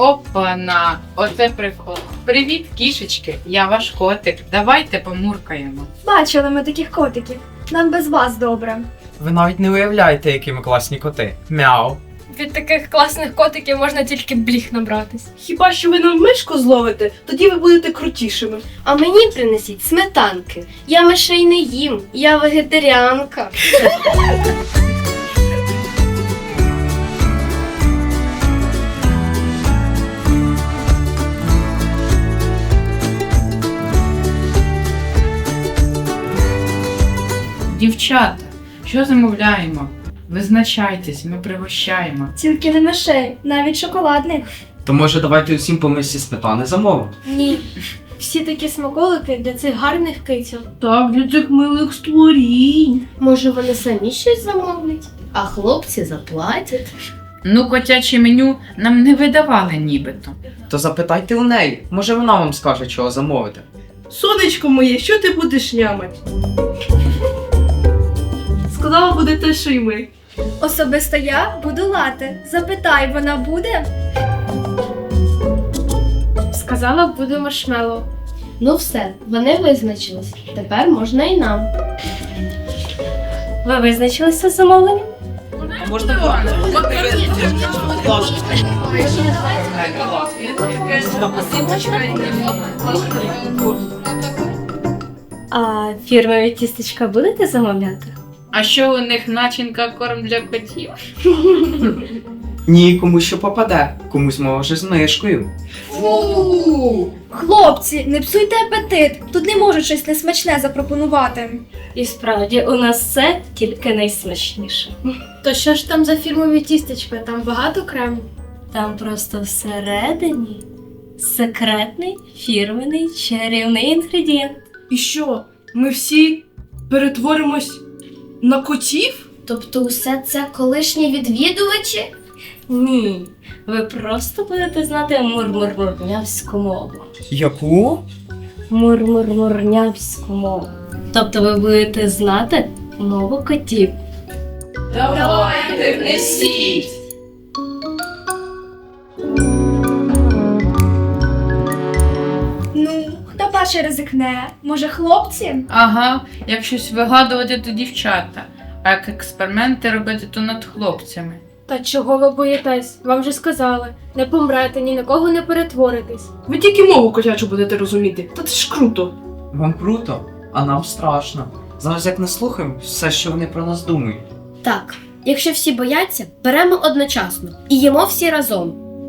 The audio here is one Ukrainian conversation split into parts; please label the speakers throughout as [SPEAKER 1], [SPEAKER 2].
[SPEAKER 1] Опана, оце прикол. Привіт, кішечки, я ваш котик. Давайте помуркаємо.
[SPEAKER 2] Бачили ми таких котиків. Нам без вас добре.
[SPEAKER 3] Ви навіть не уявляєте, які ми класні коти. Мяу.
[SPEAKER 4] Від таких класних котиків можна тільки бліх набратись.
[SPEAKER 5] Хіба що ви нам мишку зловите, тоді ви будете крутішими.
[SPEAKER 6] А мені принесіть сметанки. Я мишей не їм, я вегетаріанка.
[SPEAKER 1] Дівчата, що замовляємо? Визначайтесь, ми пригощаємо.
[SPEAKER 2] Тільки не мишей, навіть шоколадних.
[SPEAKER 3] То може давайте усім по мисці сметани замовимо?
[SPEAKER 4] Ні. Всі такі смаколики для цих гарних киців.
[SPEAKER 5] Так, для цих милих створінь.
[SPEAKER 6] Може, вони самі щось замовлять, а хлопці заплатять.
[SPEAKER 1] Ну, котяче меню нам не видавали нібито.
[SPEAKER 3] То запитайте у неї, може вона вам скаже, чого замовити.
[SPEAKER 5] Сонечко моє, що ти будеш нямать? Сказала, буде те, що й ми.
[SPEAKER 2] Особисто я буду лати. Запитай, вона буде?
[SPEAKER 4] Сказала, буде маршмеллоу.
[SPEAKER 6] Ну все, вони визначились. Тепер можна і нам.
[SPEAKER 4] Ви визначилися з замовленням? А фірмові тістечка будете замовляти?
[SPEAKER 1] А що у них начинка корм для котів?
[SPEAKER 3] Ні, комусь що попаде, комусь може з мишкою.
[SPEAKER 2] Фу! Хлопці, не псуйте апетит. Тут не можуть щось несмачне запропонувати.
[SPEAKER 4] І справді, у нас все тільки найсмачніше. То що ж там за фірмові тістечка? Там багато крему? Там просто всередині секретний фірменний чарівний інгредієнт.
[SPEAKER 5] І що, ми всі перетворимось на котів?
[SPEAKER 6] Тобто усе це колишні відвідувачі?
[SPEAKER 4] Ні, ви просто будете знати мурмурмурнявську мову.
[SPEAKER 3] Яку?
[SPEAKER 4] Мурмурмурнявську мову. Тобто ви будете знати мову котів.
[SPEAKER 1] Давайте, внесіть!
[SPEAKER 2] Ну, хто перший ризикне? Може, хлопці?
[SPEAKER 1] Ага, як щось вигадувати, то дівчата. А як експерименти робити, то над хлопцями.
[SPEAKER 4] Та чого ви боїтесь? Вам же сказали, не помрете, ні на кого не перетворитесь.
[SPEAKER 5] Ви тільки мову котячу будете розуміти. Та це ж круто.
[SPEAKER 3] Вам круто, а нам страшно. Зараз як не слухаємо все, що вони про нас думають.
[SPEAKER 6] Так, якщо всі бояться, беремо одночасно і їмо всі разом.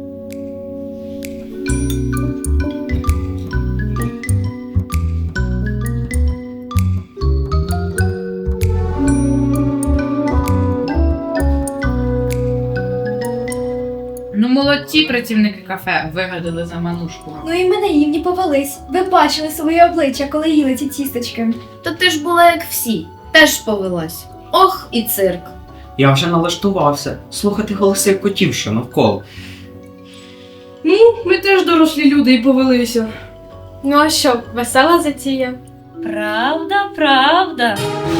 [SPEAKER 1] Ну, молодці працівники кафе вигадали заманушку.
[SPEAKER 2] Ну і ми наївні повелись. Ви бачили своє обличчя, коли їли ці тістечки.
[SPEAKER 6] То ти ж була як всі, теж повелась. Ох, і цирк.
[SPEAKER 3] Я вже налаштувався слухати голоси котів, що навколо.
[SPEAKER 5] Ну, ми теж дорослі люди і повелися.
[SPEAKER 4] Ну а що, весела затія? Правда, правда.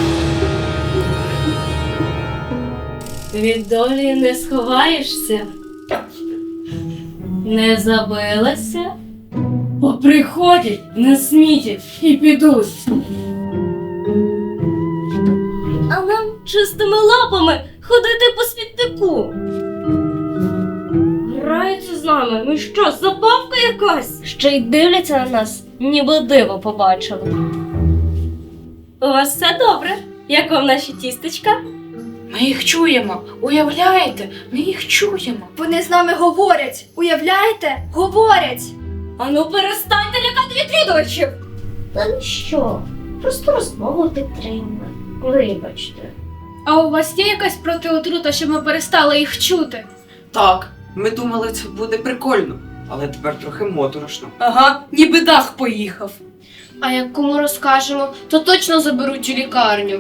[SPEAKER 4] Від долі не сховаєшся. Не забилася. Поприходять, насмітять і підуть. А нам чистими лапами ходити по смітнику. Граються з нами. Ми що, забавка якась? Ще й дивляться на нас, ніби диво побачили. У вас все добре? Як вам наші тістечка?
[SPEAKER 1] Ми їх чуємо, уявляєте? Ми їх чуємо.
[SPEAKER 2] Вони з нами говорять. Уявляєте? Говорять.
[SPEAKER 4] Ану перестаньте лякати відвідувачів!
[SPEAKER 6] Та ну що, просто розмову підтримуємо. Вибачте.
[SPEAKER 4] А у вас є якась протиотрута, щоб ми перестали їх чути?
[SPEAKER 3] Так, ми думали, це буде прикольно, але тепер трохи моторошно.
[SPEAKER 5] Ага, ніби дах поїхав.
[SPEAKER 6] А як кому розкажемо, то точно заберуть у лікарню.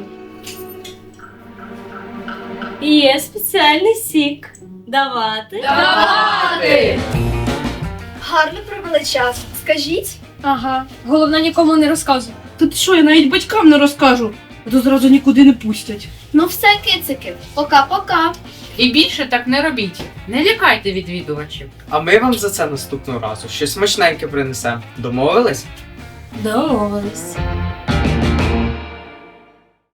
[SPEAKER 4] Є спеціальний сік. Давати?
[SPEAKER 1] Давати!
[SPEAKER 2] Гарно провели час. Скажіть.
[SPEAKER 4] Ага. Головне, нікому не розказуй.
[SPEAKER 5] Та ти що, я навіть батькам не розкажу, а то зразу нікуди не пустять.
[SPEAKER 6] Ну все, кицики, пока-пока.
[SPEAKER 1] І більше так не робіть. Не лякайте відвідувачів.
[SPEAKER 3] А ми вам за це наступного разу щось смачненьке принесемо. Домовились?
[SPEAKER 4] Домовились.